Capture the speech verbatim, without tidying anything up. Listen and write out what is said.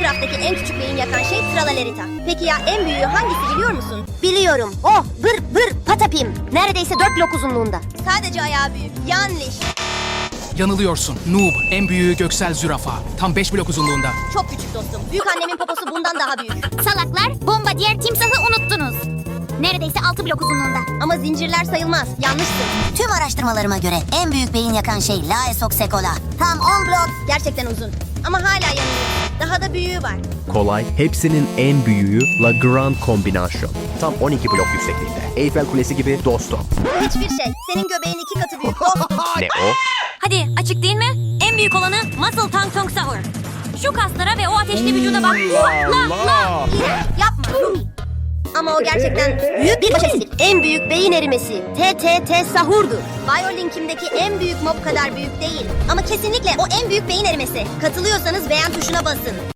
Minecraft'taki en küçük beyin yakan şey Tralalerita. Peki ya en büyüğü hangisi biliyor musun? Biliyorum. Oh, vır vır patapim. Neredeyse dört blok uzunluğunda. Sadece ayağı büyük. Yanlış. Yanılıyorsun. Noob. En büyüğü göksel zürafa. Tam beş blok uzunluğunda. Çok küçük dostum. Büyük annemin poposu bundan daha büyük. Salaklar, bomba diğer timsahı unuttunuz. Neredeyse altı blok uzunluğunda. Ama zincirler sayılmaz. Yanlışsın. Tüm araştırmalarıma göre en büyük beyin yakan şey Laesoxecola. Tam on blok. Gerçekten uzun. Ama hala yanılıyorsun. Daha da büyüğü var. Kolay, hepsinin en büyüğü La Grande Combination. Tam on iki blok yüksekliğinde. Eyfel Kulesi gibi dostum. Hiçbir şey. Senin göbeğin iki katı büyük. Dostum. Ne o? Hadi açık değil mi? En büyük olanı Muscle Tongue Tongue Sour. Şu kaslara ve o ateşli vücuda bak. La la. Yapma. Ama o gerçekten büyük bir başarısızlık. En büyük beyin erimesi. T T T sahurdur. Biolink'imdeki en büyük mob kadar büyük değil. Ama kesinlikle o en büyük beyin erimesi. Katılıyorsanız beğen tuşuna basın.